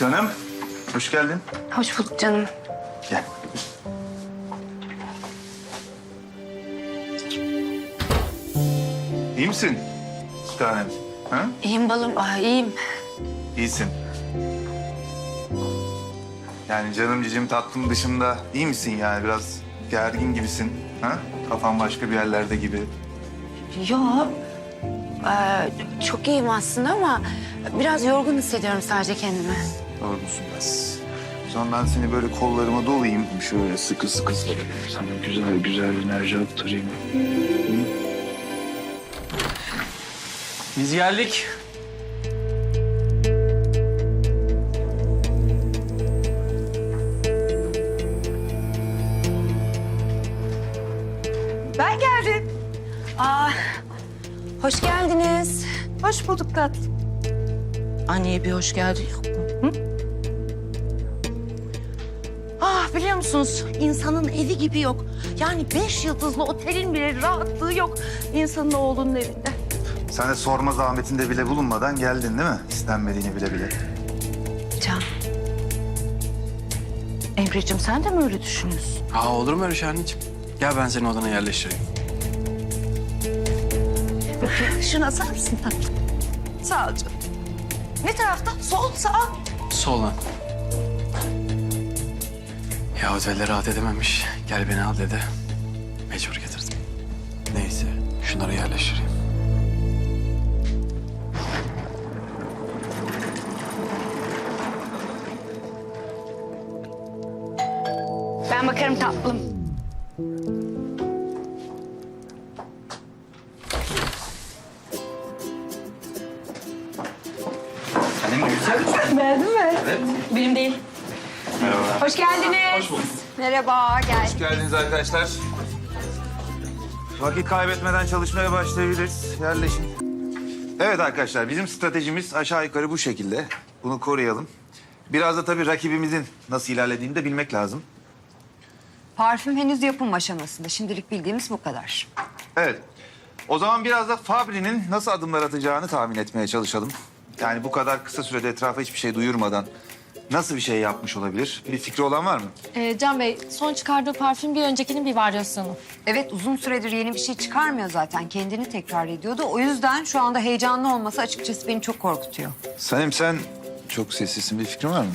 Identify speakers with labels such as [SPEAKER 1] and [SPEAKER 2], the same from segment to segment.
[SPEAKER 1] Canım, hoş geldin.
[SPEAKER 2] Hoş bulduk canım.
[SPEAKER 1] Gel. İyi misin? Bir tanem. Ha?
[SPEAKER 2] İyiyim balım. İyiyim.
[SPEAKER 1] İyisin. Yani canım cicim tatlım dışında iyi misin yani? Biraz gergin gibisin. Ha? Kafan başka bir yerlerde gibi.
[SPEAKER 2] Yok. Çok iyiyim aslında ama biraz yorgun hissediyorum sadece kendimi.
[SPEAKER 1] Doğrusun biraz. O zaman ben seni böyle kollarıma dolayayım. Şöyle sıkı sıkı sarayım. Sana güzel güzel enerji aktarayım.
[SPEAKER 3] Biz geldik.
[SPEAKER 4] Ben geldim.
[SPEAKER 2] Hoş geldiniz.
[SPEAKER 4] Hoş bulduk tatlım.
[SPEAKER 2] Anneye bir hoş geldin yok mu?
[SPEAKER 4] Biliyor musunuz insanın evi gibi yok. Yani 5 yıldızlı otelin bile rahatlığı yok insanın oğlunun evinde.
[SPEAKER 1] Sen de sorma zahmetinde bile bulunmadan geldin değil mi? İstenmediğini bile bile.
[SPEAKER 2] Can. Emre'cim sen de mi öyle düşünüyorsun?
[SPEAKER 3] Olur mu öyle şey anneciğim? Gel ben seni odana yerleştireyim.
[SPEAKER 4] Şuna sar mısın tatlım? Sağ ol canım. Ne tarafta? Sol, sağ.
[SPEAKER 3] Sola. Ya otelde rahat edememiş. Gel beni al dedi. Mecbur getirdim. Neyse şunları yerleştireyim.
[SPEAKER 2] Ben bakarım tatlım.
[SPEAKER 4] Beğendin mi?
[SPEAKER 2] Benim değil.
[SPEAKER 1] Merhaba.
[SPEAKER 4] Hoş geldiniz.
[SPEAKER 3] Hoş bulduk.
[SPEAKER 4] Merhaba, gel.
[SPEAKER 1] Hoş geldiniz arkadaşlar. Vakit kaybetmeden çalışmaya başlayabiliriz. Yerleşin. Evet arkadaşlar, bizim stratejimiz aşağı yukarı bu şekilde. Bunu koruyalım. Biraz da tabii rakibimizin nasıl ilerlediğini de bilmek lazım.
[SPEAKER 5] Parfüm henüz yapım aşamasında. Şimdilik bildiğimiz bu kadar.
[SPEAKER 1] Evet. O zaman biraz da Fabri'nin nasıl adımlar atacağını tahmin etmeye çalışalım. Yani bu kadar kısa sürede etrafa hiçbir şey duyurmadan nasıl bir şey yapmış olabilir? Bir fikri olan var mı?
[SPEAKER 6] Can Bey, son çıkardığı parfüm bir öncekinin bir varyasyonu.
[SPEAKER 5] Evet, uzun süredir yeni bir şey çıkarmıyor zaten. Kendini tekrar ediyordu. O yüzden şu anda heyecanlı olması açıkçası beni çok korkutuyor.
[SPEAKER 1] Sanem sen çok sessizsin. Bir fikrin var mı?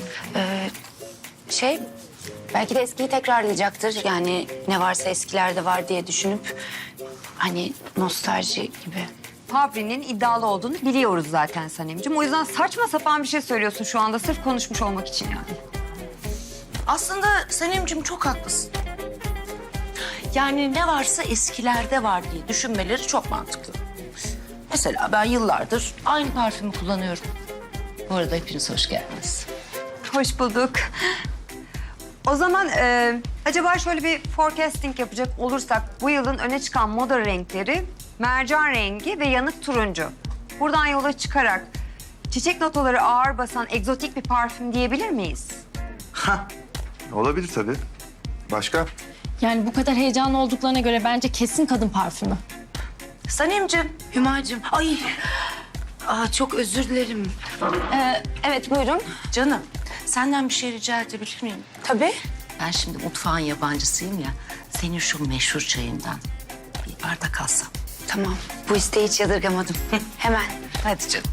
[SPEAKER 2] Belki de eskiyi tekrarlayacaktır. Yani ne varsa eskilerde var diye düşünüp hani nostalji gibi.
[SPEAKER 5] Fabri'nin iddialı olduğunu biliyoruz zaten Sanemciğim. O yüzden saçma sapan bir şey söylüyorsun şu anda sırf konuşmuş olmak için yani.
[SPEAKER 7] Aslında Sanemciğim çok haklısın. Yani ne varsa eskilerde var diye düşünmeleri çok mantıklı. Mesela ben yıllardır aynı parfümü kullanıyorum. Bu arada hepiniz hoş geldiniz.
[SPEAKER 5] Hoş bulduk. O zaman acaba şöyle bir forecasting yapacak olursak bu yılın öne çıkan moda renkleri mercan rengi ve yanık turuncu. Buradan yola çıkarak çiçek notaları ağır basan egzotik bir parfüm diyebilir miyiz?
[SPEAKER 1] Olabilir tabii. Başka?
[SPEAKER 6] Yani bu kadar heyecanlı olduklarına göre bence kesin kadın parfümü.
[SPEAKER 7] Sanemciğim,
[SPEAKER 2] Hümacığım, ay. Çok özür dilerim. Evet, buyurun.
[SPEAKER 7] canım senden bir şey rica edebilir miyim?
[SPEAKER 2] Tabii.
[SPEAKER 7] Ben şimdi mutfağın yabancısıyım ya. Senin şu meşhur çayından bir bardak alsam.
[SPEAKER 2] Tamam, bu isteği hiç yadırgamadım. Hemen.
[SPEAKER 7] Hadi canım.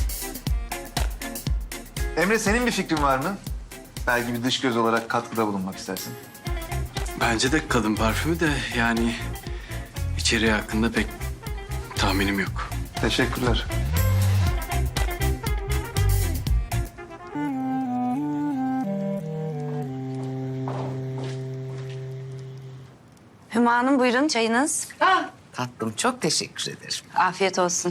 [SPEAKER 1] Emre senin bir fikrin var mı? Belki bir dış göz olarak katkıda bulunmak istersin.
[SPEAKER 3] Bence de kadın parfümü de yani içeriği hakkında pek tahminim yok.
[SPEAKER 1] Teşekkürler.
[SPEAKER 2] Hüma Hanım buyurun çayınız.
[SPEAKER 7] Tatlım çok teşekkür ederim.
[SPEAKER 2] Afiyet olsun.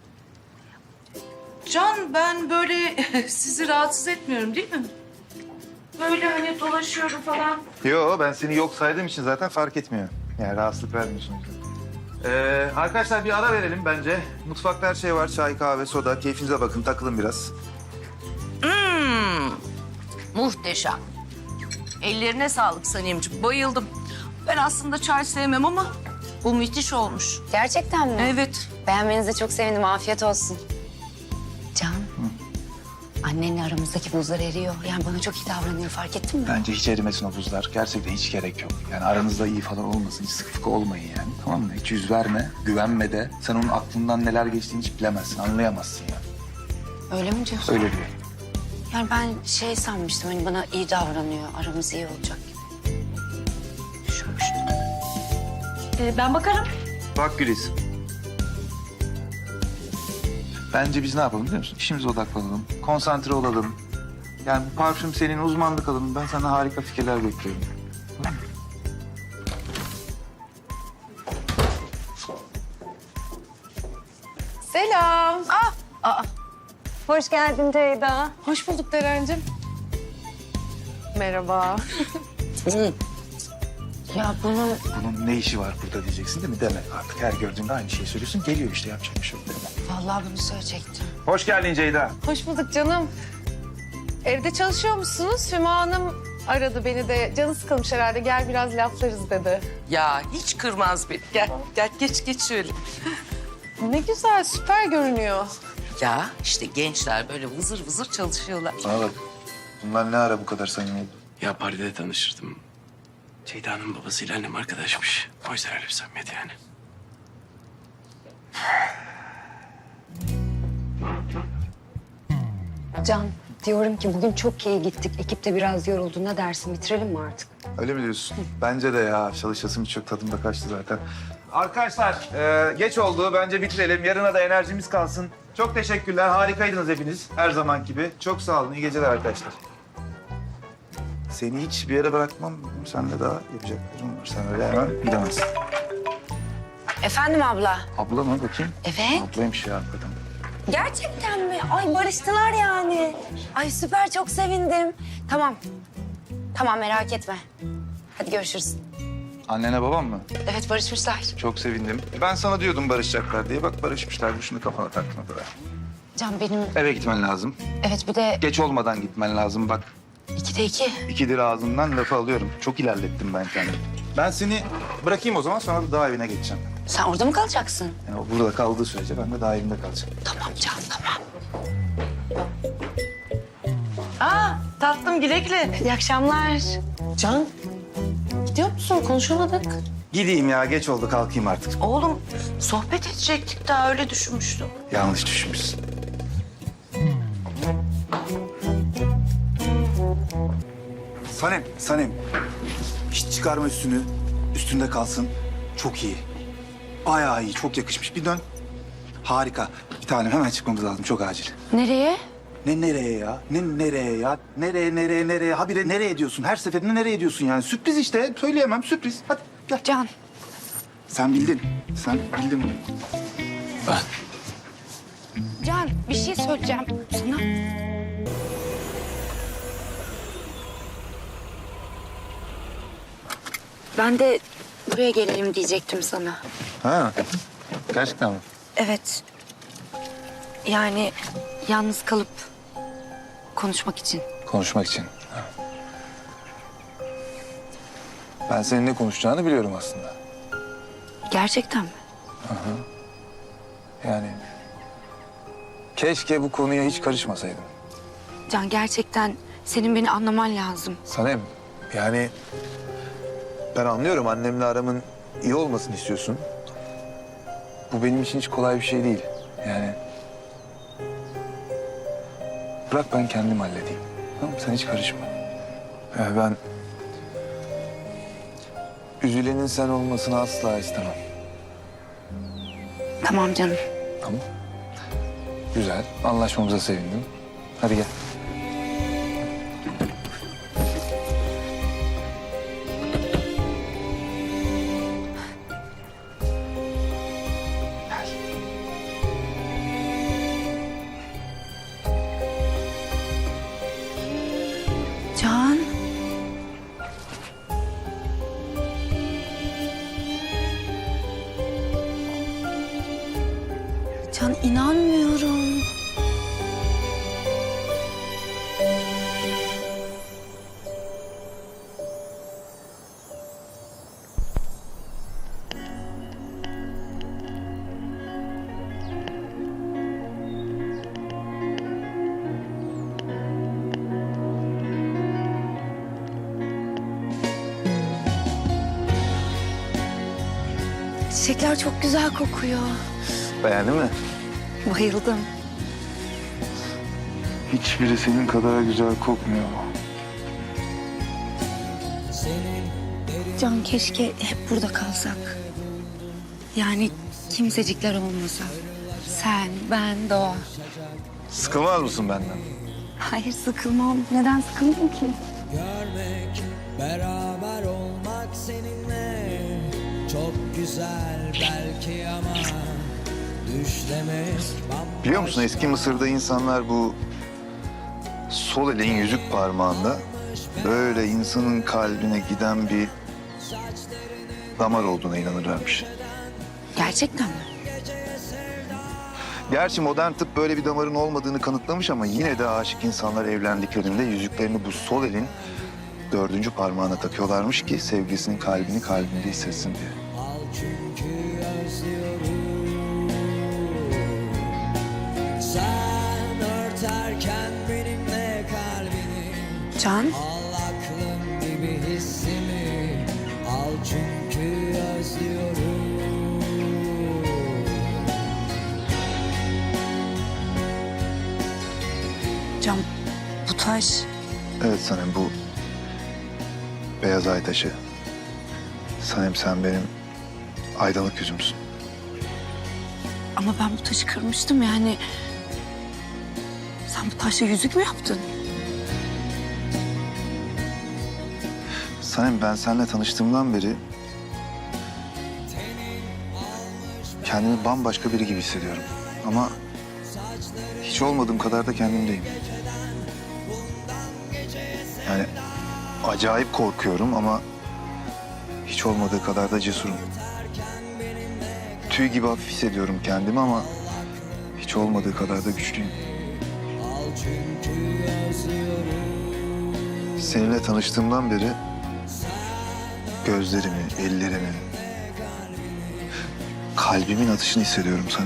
[SPEAKER 8] Can, ben böyle sizi rahatsız etmiyorum değil mi? Böyle hani dolaşıyorum falan.
[SPEAKER 1] Yo ben seni yok saydığım için zaten fark etmiyor. Yani rahatsızlık vermiyorsun. Arkadaşlar bir ara verelim bence. Mutfakta her şey var. Çay, kahve, soda. Keyfinize bakın. Takılın biraz.
[SPEAKER 7] Muhteşem. Ellerine sağlık Sanemciğim. Bayıldım. Ben aslında çay sevmem ama bu müthiş olmuş.
[SPEAKER 2] Gerçekten mi?
[SPEAKER 7] Evet.
[SPEAKER 2] Beğenmenize çok sevindim. Afiyet olsun. Can. annenle aramızdaki buzlar eriyor. Yani bana çok iyi davranıyor, fark ettin mi?
[SPEAKER 1] Bence hiç erimesin o buzlar. Gerçekten hiç gerek yok. Yani aranızda iyi falan olmasın. Hiç sıkı fıkı olmayın yani. Tamam mı? Hiç yüz verme, güvenme de. Sen onun aklından neler geçtiğini hiç bilemezsin, anlayamazsın yani.
[SPEAKER 2] Öyle mi diyorsun?
[SPEAKER 1] Öyle diyor.
[SPEAKER 2] Yani ben şey sanmıştım, hani bana iyi davranıyor, aramız iyi olacak gibi. Düşünmüştüm.
[SPEAKER 6] Ben bakarım.
[SPEAKER 1] Bak Güliz. Bence biz ne yapalım biliyor musun? İşimize odaklanalım, konsantre olalım. Yani bu parfüm senin, uzmanlık alanın. Ben sana harika fikirler bekliyorum. Tamam mı?
[SPEAKER 8] Selam.
[SPEAKER 5] Hoş geldin Ceyda.
[SPEAKER 8] Hoş bulduk Derencim. Merhaba.
[SPEAKER 2] Ya bunu
[SPEAKER 1] Bunun ne işi var burada diyeceksin değil mi? Deme artık. Her gördüğünde aynı şeyi söylüyorsun. Geliyor işte, yapacak bir şey yok. Deme.
[SPEAKER 2] vallahi bunu söyleyecektim.
[SPEAKER 1] Hoş geldin Ceyda.
[SPEAKER 8] Hoş bulduk canım. Evde çalışıyor musunuz? Hüma Hanım aradı beni de. Canı sıkılmış herhalde. Gel biraz laflarız dedi.
[SPEAKER 7] Ya hiç kırmaz beni. Gel, gel geç şöyle.
[SPEAKER 8] Ne güzel, süper görünüyor.
[SPEAKER 7] Ya işte gençler böyle vızır vızır çalışıyorlar.
[SPEAKER 1] Bana bak. Bunlar ne ara bu kadar samimi oldu?
[SPEAKER 3] Ya partide tanışırdım. Ceyda'nın babasıyla annem arkadaşmış. O yüzden öyle bir samimiyet yani.
[SPEAKER 5] Can, diyorum ki bugün çok iyi gittik. Ekip de biraz yoruldu. Ne dersin, bitirelim mi artık?
[SPEAKER 1] Öyle mi diyorsun? Bence de ya. Çalışasım çok tadımda kaçtı zaten. Arkadaşlar geç oldu. Bence bitirelim. Yarına da enerjimiz kalsın. Çok teşekkürler. Harikaydınız hepiniz. Her zaman gibi. Çok sağ olun. İyi geceler arkadaşlar. Seni hiç bir yere bırakmam. Sen de daha yapacaklarım var. Sen öyle hemen gidemezsin.
[SPEAKER 2] Efendim abla?
[SPEAKER 1] Abla mı bakayım?
[SPEAKER 2] Evet.
[SPEAKER 1] Ablaymış ya hakikaten.
[SPEAKER 2] Gerçekten mi? Ay barıştılar yani. Ay süper, çok sevindim. Tamam. Tamam, merak etme. Hadi görüşürüz.
[SPEAKER 1] Annene babam mı?
[SPEAKER 2] Evet, barışmışlar.
[SPEAKER 1] Çok sevindim. Ben sana diyordum barışacaklar diye. Bak barışmışlar. Şunu kafana takma böyle.
[SPEAKER 2] Can benim...
[SPEAKER 1] Eve gitmen lazım.
[SPEAKER 2] Evet, bir de
[SPEAKER 1] Geç olmadan gitmen lazım bak.
[SPEAKER 2] 2'de 2.
[SPEAKER 1] İkidir ağzından lafı alıyorum. Çok ilerlettim ben kendimi. Ben seni bırakayım o zaman, sonra da dağ evine geçeceğim.
[SPEAKER 2] Sen orada mı kalacaksın?
[SPEAKER 1] Yani o burada kaldığı sürece ben de dağ evinde kalacağım.
[SPEAKER 2] Tamam Can, tamam.
[SPEAKER 7] Aa tatlım güle güle.
[SPEAKER 2] İyi akşamlar.
[SPEAKER 7] Can gidiyor musun? Konuşamadık.
[SPEAKER 1] Gideyim ya, geç oldu, kalkayım artık.
[SPEAKER 7] Oğlum sohbet edecektik daha öyle düşünmüştüm.
[SPEAKER 1] Yanlış düşünmüşsün. Sanem. Hiç çıkarma üstünü. Üstünde kalsın. Çok iyi. Bayağı iyi, çok yakışmış. Bir dön. Harika. Bir tanem, hemen çıkmamız lazım, çok acil.
[SPEAKER 2] Nereye?
[SPEAKER 1] Ne nereye ya? Ne nereye ya? Nereye? Habire nereye diyorsun? Her seferinde nereye diyorsun yani? Sürpriz işte. Söyleyemem, sürpriz. Hadi gel.
[SPEAKER 2] Can.
[SPEAKER 1] Sen bildin. Sen bildin bunu.
[SPEAKER 2] Can, bir şey söyleyeceğim sana. Ben de buraya gelelim diyecektim sana.
[SPEAKER 1] Ha. Gerçekten mi?
[SPEAKER 2] Evet. Yani yalnız kalıp konuşmak için.
[SPEAKER 1] Konuşmak için. Ha. Ben senin ne konuşacağını biliyorum aslında.
[SPEAKER 2] Gerçekten mi?
[SPEAKER 1] Yani keşke bu konuya hiç karışmasaydım.
[SPEAKER 2] Can, gerçekten senin beni anlaman lazım.
[SPEAKER 1] Sanem, yani ben anlıyorum, annemle aramın iyi olmasını istiyorsun. Bu benim için hiç kolay bir şey değil. Yani bırak ben kendim halledeyim. Tamam mı? Sen hiç karışma. Ben üzülenin sen olmasını asla istemem.
[SPEAKER 2] Tamam canım.
[SPEAKER 1] Tamam. Güzel. Anlaşmamıza sevindim. Hadi gel.
[SPEAKER 2] Can. Can, inanmıyorum. Çiçekler çok güzel kokuyor.
[SPEAKER 1] Beğendin mi?
[SPEAKER 2] Bayıldım.
[SPEAKER 1] Hiçbiri senin kadar güzel kokmuyor.
[SPEAKER 2] Can keşke hep burada kalsak. Yani kimsecikler olmasa. Sen, ben, Doğa.
[SPEAKER 1] Sıkılmaz mısın benden?
[SPEAKER 2] Hayır sıkılmam. Neden sıkıldım ki?
[SPEAKER 9] Görmek, beraber olmak seninle çok güzel belki ama düşlemek bambaşka.
[SPEAKER 1] Biliyor musun eski Mısır'da insanlar bu sol elin yüzük parmağında böyle insanın kalbine giden bir damar olduğuna inanırlarmış.
[SPEAKER 2] Gerçekten mi?
[SPEAKER 1] Gerçi modern tıp böyle bir damarın olmadığını kanıtlamış ama yine de aşık insanlar evlendiklerinde yüzüklerini bu sol elin 4. parmağına takıyorlarmış ki sevgilisinin kalbini kalbinde hissetsin diye.
[SPEAKER 9] Al çünkü özlüyorum. Sen örterken benimle kalbini,
[SPEAKER 2] Can,
[SPEAKER 9] al aklım gibi hissimi, al çünkü özlüyorum.
[SPEAKER 2] Can bu taş
[SPEAKER 1] Evet Sanem bu beyaz ay taşı. Sanem sen benim aydınlık yüzümsün.
[SPEAKER 2] ama ben bu taşı kırmıştım yani. Sen bu taşla yüzük mü yaptın?
[SPEAKER 1] Sanem ben seninle tanıştığımdan beri kendimi bambaşka biri gibi hissediyorum. Ama hiç olmadığım kadar da kendimdeyim. Yani acayip korkuyorum ama hiç olmadığı kadar da cesurum. Tüy gibi hafif hissediyorum kendimi ama hiç olmadığı kadar da güçlüyüm. Seninle tanıştığımdan beri gözlerimi, ellerimi, kalbimin atışını hissediyorum sana.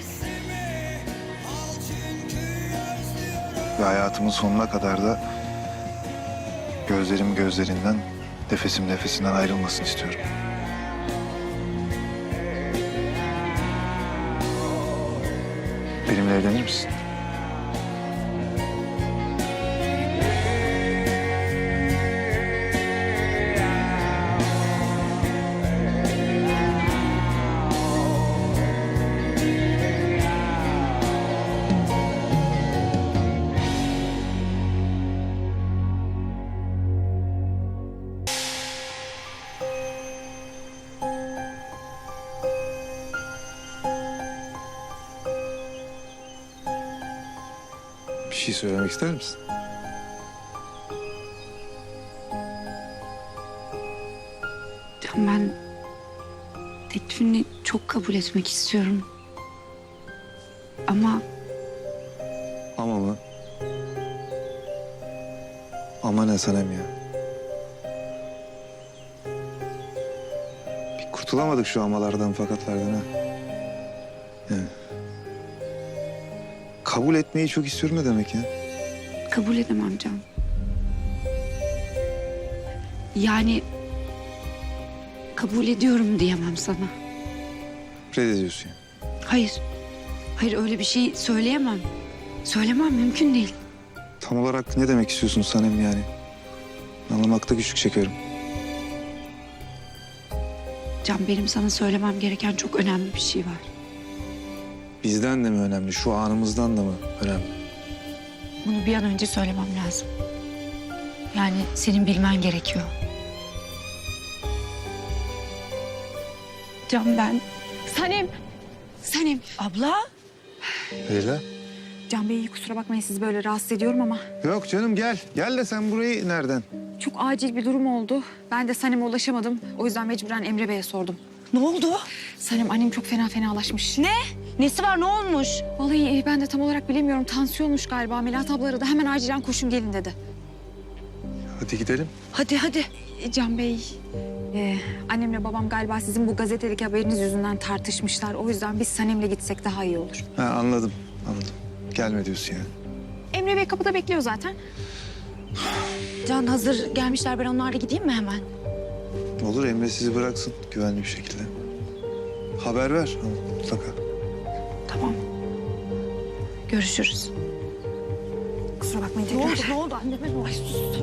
[SPEAKER 1] Ve hayatımın sonuna kadar da gözlerim gözlerinden, nefesim nefesinden ayrılmasını istiyorum. Benimle evlenir misin? Bir şey söylemek ister misin?
[SPEAKER 2] Can ben teklifini çok kabul etmek istiyorum. Ama
[SPEAKER 1] Ama mı? Ama ne Sanem ya? Bir kurtulamadık şu amalardan fakatlardan ha. Yani. Kabul etmeyi çok istiyorum ne demek ya?
[SPEAKER 2] kabul edemem Can. Yani kabul ediyorum diyemem sana.
[SPEAKER 1] Reddediyorsun yani.
[SPEAKER 2] Hayır. Hayır öyle bir şey söyleyemem. Söylemem mümkün değil.
[SPEAKER 1] Tam olarak ne demek istiyorsun Sanem yani? Anlamakta güçlük çekiyorum.
[SPEAKER 2] Can benim sana söylemem gereken çok önemli bir şey var.
[SPEAKER 1] Bizden de mi önemli, şu anımızdan da mı önemli?
[SPEAKER 2] Bunu bir an önce söylemem lazım. Yani senin bilmen gerekiyor. Can ben... Sanem! Sanem!
[SPEAKER 4] Abla.
[SPEAKER 1] Leyla?
[SPEAKER 10] Can Bey kusura bakmayın sizi böyle rahatsız ediyorum ama
[SPEAKER 1] Yok canım gel. Gel de sen burayı nereden?
[SPEAKER 10] çok acil bir durum oldu. Ben de Sanem'e ulaşamadım. O yüzden mecburen Emre Bey'e sordum.
[SPEAKER 4] Ne oldu?
[SPEAKER 10] Sanem annem çok fenalaşmış.
[SPEAKER 4] Ne? Nesi var, ne olmuş?
[SPEAKER 10] Vallahi ben de tam olarak bilemiyorum. Tansiyonmuş galiba. Melahat abla aradı. Hemen acilen koşun gelin dedi.
[SPEAKER 1] Hadi gidelim.
[SPEAKER 4] Hadi hadi.
[SPEAKER 10] Can Bey, annemle babam galiba sizin bu gazetedeki haberiniz yüzünden tartışmışlar. O yüzden biz Sanem'le gitsek daha iyi olur.
[SPEAKER 1] Ha, anladım. Gelme diyorsun yani.
[SPEAKER 10] Emre Bey kapıda bekliyor zaten.
[SPEAKER 4] Can hazır gelmişler, ben onlarla gideyim mi hemen?
[SPEAKER 1] Olur Emre sizi bıraksın güvenli bir şekilde. haber ver mutlaka.
[SPEAKER 10] Tamam. Görüşürüz. Kusura bakmayın tekrar.
[SPEAKER 4] Ne oldu anneme? Ay sus.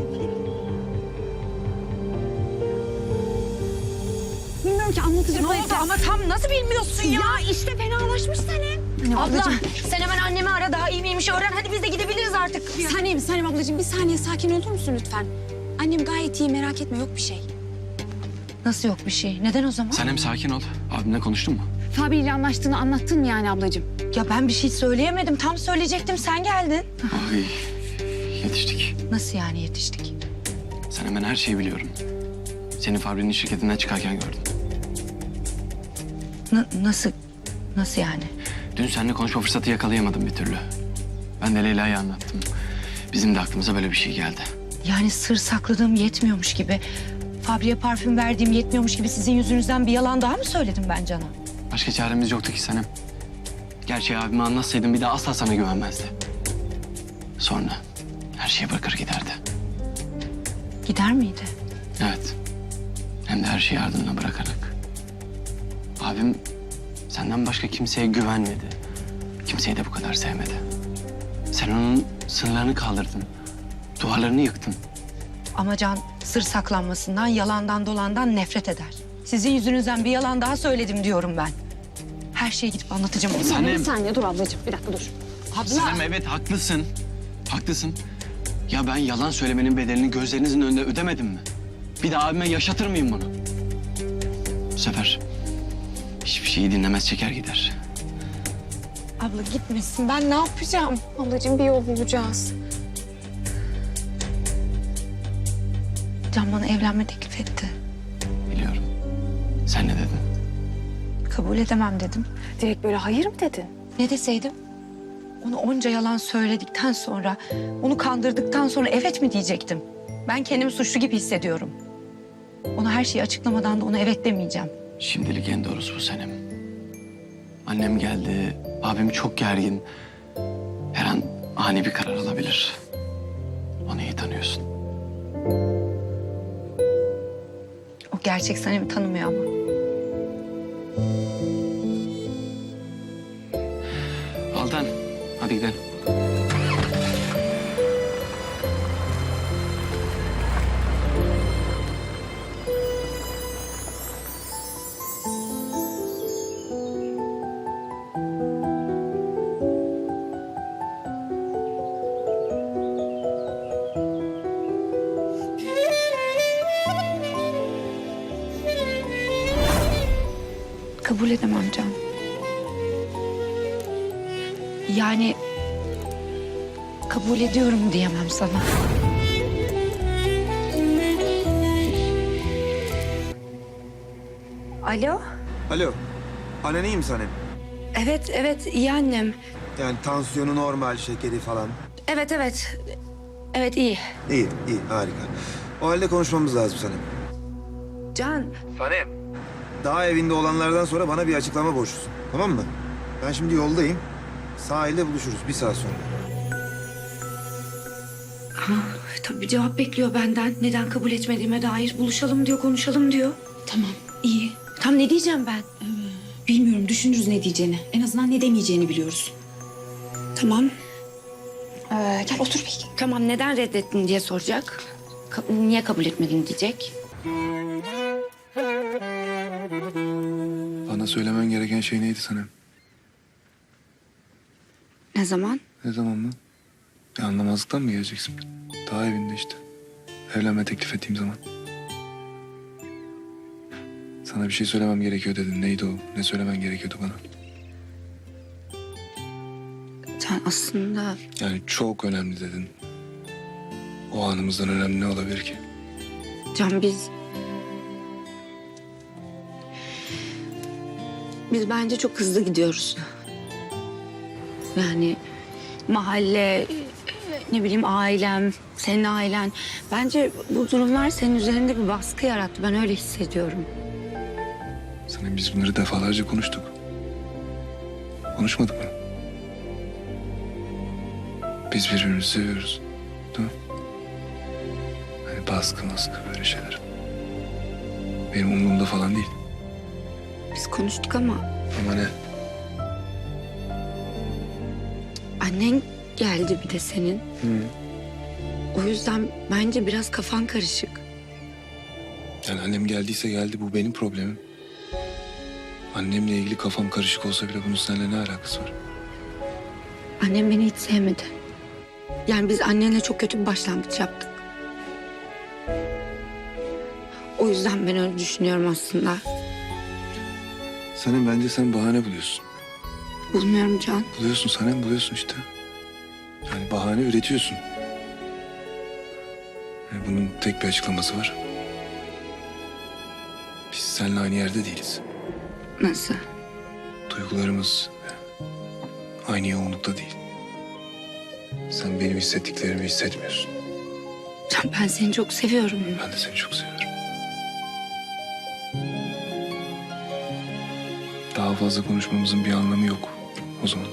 [SPEAKER 10] Bilmiyorum ki anlatacak.
[SPEAKER 4] Ne oldu ama tam nasıl bilmiyorsun ya?
[SPEAKER 2] işte fenalaşmış Sanem. Abla sen hemen annemi ara, daha iyi miymiş öğren. Hadi biz de gidebiliriz artık.
[SPEAKER 10] Sanem ablacığım bir saniye sakin olur musun lütfen? Annem gayet iyi, merak etme, yok bir şey.
[SPEAKER 7] Nasıl yok bir şey? Neden o zaman?
[SPEAKER 3] Sen hem sakin ol. Abimle konuştun mu?
[SPEAKER 10] Fabi ile anlaştığını anlattın mı yani ablacığım?
[SPEAKER 7] Ya ben bir şey söyleyemedim. Tam söyleyecektim. Sen geldin.
[SPEAKER 3] Ay yetiştik.
[SPEAKER 7] Nasıl yani yetiştik?
[SPEAKER 3] Sen hemen her şeyi biliyorum. Seni Fabri'nin şirketinden çıkarken gördüm.
[SPEAKER 7] Nasıl? Nasıl yani?
[SPEAKER 3] Dün seninle konuşma fırsatı yakalayamadım bir türlü. Ben de Leyla'ya anlattım. Bizim de aklımıza böyle bir şey geldi.
[SPEAKER 7] Yani sır sakladığım yetmiyormuş gibi... Fabri'ye parfüm verdiğim yetmiyormuş gibi sizin yüzünüzden bir yalan daha mı söyledim ben Can'a?
[SPEAKER 3] Başka çaremiz yoktu ki Sanem. Gerçeği abime anlatsaydım bir daha asla sana güvenmezdi. Sonra her şeyi bırakır giderdi.
[SPEAKER 7] Gider miydi?
[SPEAKER 3] Evet. Hem de her şeyi ardına bırakarak. Abim senden başka kimseye güvenmedi. Kimseyi de bu kadar sevmedi. Sen onun sınırlarını kaldırdın. Duvarlarını yıktın.
[SPEAKER 7] Ama Can sır saklanmasından, yalandan dolandan nefret eder. Sizin yüzünüzden bir yalan daha söyledim diyorum ben. Her şeyi gidip anlatacağım ona.
[SPEAKER 3] Sanem.
[SPEAKER 10] Bir saniye dur ablacığım, bir dakika dur.
[SPEAKER 3] Sanem evet haklısın. Haklısın. Ya ben yalan söylemenin bedelini gözlerinizin önünde ödemedim mi? Bir de abime yaşatır mıyım bunu? Bu sefer hiçbir şeyi dinlemez çeker gider.
[SPEAKER 10] Abla gitmesin, ben ne yapacağım? Ablacığım bir yol bulacağız.
[SPEAKER 7] Can bana evlenme teklif etti.
[SPEAKER 3] Biliyorum. Sen ne dedin?
[SPEAKER 7] Kabul edemem dedim.
[SPEAKER 10] Direkt böyle hayır mı dedin?
[SPEAKER 7] Ne deseydim? Onu onca yalan söyledikten sonra, onu kandırdıktan sonra evet mi diyecektim? Ben kendimi suçlu gibi hissediyorum. Ona her şeyi açıklamadan da ona evet demeyeceğim.
[SPEAKER 3] Şimdilik en doğrusu bu Sanem. Annem geldi. Abim çok gergin. Her an ani bir karar alabilir. Onu iyi tanıyorsun.
[SPEAKER 7] O gerçek Sanem'i tanımıyor ama.
[SPEAKER 3] Altan, hadi gidelim.
[SPEAKER 10] Kabul edemem Can.
[SPEAKER 7] Yani kabul ediyorum diyemem sana.
[SPEAKER 2] Alo?
[SPEAKER 1] Alo. Annen iyi mi Sanem?
[SPEAKER 2] Evet iyi annem.
[SPEAKER 1] Yani tansiyonu normal, şekeri falan.
[SPEAKER 2] Evet. Evet iyi.
[SPEAKER 1] İyi harika. O halde konuşmamız lazım Sanem.
[SPEAKER 2] Can.
[SPEAKER 1] Sanem. Daha evinde olanlardan sonra bana bir açıklama borçlusun. Tamam mı? Ben şimdi yoldayım. Sahilde buluşuruz 1 saat sonra.
[SPEAKER 2] Tabii cevap bekliyor benden. Neden kabul etmediğime dair buluşalım diyor, konuşalım diyor.
[SPEAKER 10] Tamam, iyi.
[SPEAKER 2] Tam ne diyeceğim ben?
[SPEAKER 10] Bilmiyorum, düşünürüz ne diyeceğini. En azından ne demeyeceğini biliyoruz.
[SPEAKER 2] Tamam.
[SPEAKER 10] Gel otur bir.
[SPEAKER 2] Tamam neden reddettin diye soracak. Niye kabul etmedin diyecek.
[SPEAKER 11] Bana söylemen gereken şey neydi Sanem?
[SPEAKER 2] Ne zaman?
[SPEAKER 11] Ne zaman mı? Anlamazlıktan mı geleceksin? Daha evinde işte. Evlenme teklif ettiğim zaman. Sana bir şey söylemem gerekiyor dedin. Neydi o? Ne söylemen gerekiyordu bana?
[SPEAKER 2] Sen aslında...
[SPEAKER 11] Yani çok önemli dedin. O anımızdan önemli ne olabilir ki?
[SPEAKER 2] Can biz bence çok hızlı gidiyoruz. Yani mahalle, ne bileyim ailem, senin ailen. Bence bu durumlar senin üzerinde bir baskı yarattı. Ben öyle hissediyorum.
[SPEAKER 11] Sanem biz bunları defalarca konuştuk. Konuşmadık mı? Biz birbirimizi seviyoruz. Değil mi? Hani baskı böyle şeyler. Benim umurumda falan değil.
[SPEAKER 2] Biz konuştuk ama
[SPEAKER 11] Ama ne?
[SPEAKER 2] annen geldi bir de senin.
[SPEAKER 11] Hı.
[SPEAKER 2] O yüzden bence biraz kafan karışık.
[SPEAKER 11] Yani annem geldiyse geldi, bu benim problemim. Annemle ilgili kafam karışık olsa bile bunun seninle ne alakası var?
[SPEAKER 2] Annem beni hiç sevmedi. Yani biz annenle çok kötü bir başlangıç yaptık. O yüzden ben öyle düşünüyorum aslında.
[SPEAKER 11] Sanem, bence sen bahane buluyorsun.
[SPEAKER 2] Bulmuyorum Can.
[SPEAKER 11] Buluyorsun Sanem, buluyorsun işte. Yani bahane üretiyorsun. Yani bunun tek bir açıklaması var. Biz seninle aynı yerde değiliz.
[SPEAKER 2] Nasıl?
[SPEAKER 11] Duygularımız aynı yoğunlukta değil. Sen benim hissettiklerimi hissetmiyorsun.
[SPEAKER 2] Can, ben seni çok seviyorum.
[SPEAKER 11] Ben de seni çok seviyorum. Daha fazla konuşmamızın bir anlamı yok o zaman.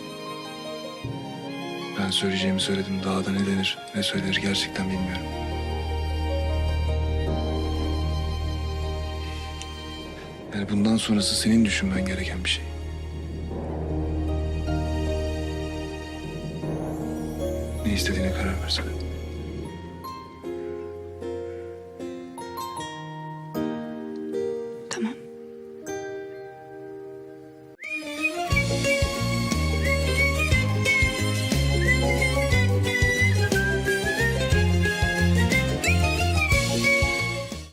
[SPEAKER 11] Ben söyleyeceğimi söyledim. Daha da ne denir, ne söylenir gerçekten bilmiyorum. Yani bundan sonrası senin düşünmen gereken bir şey. Ne istediğine karar versene.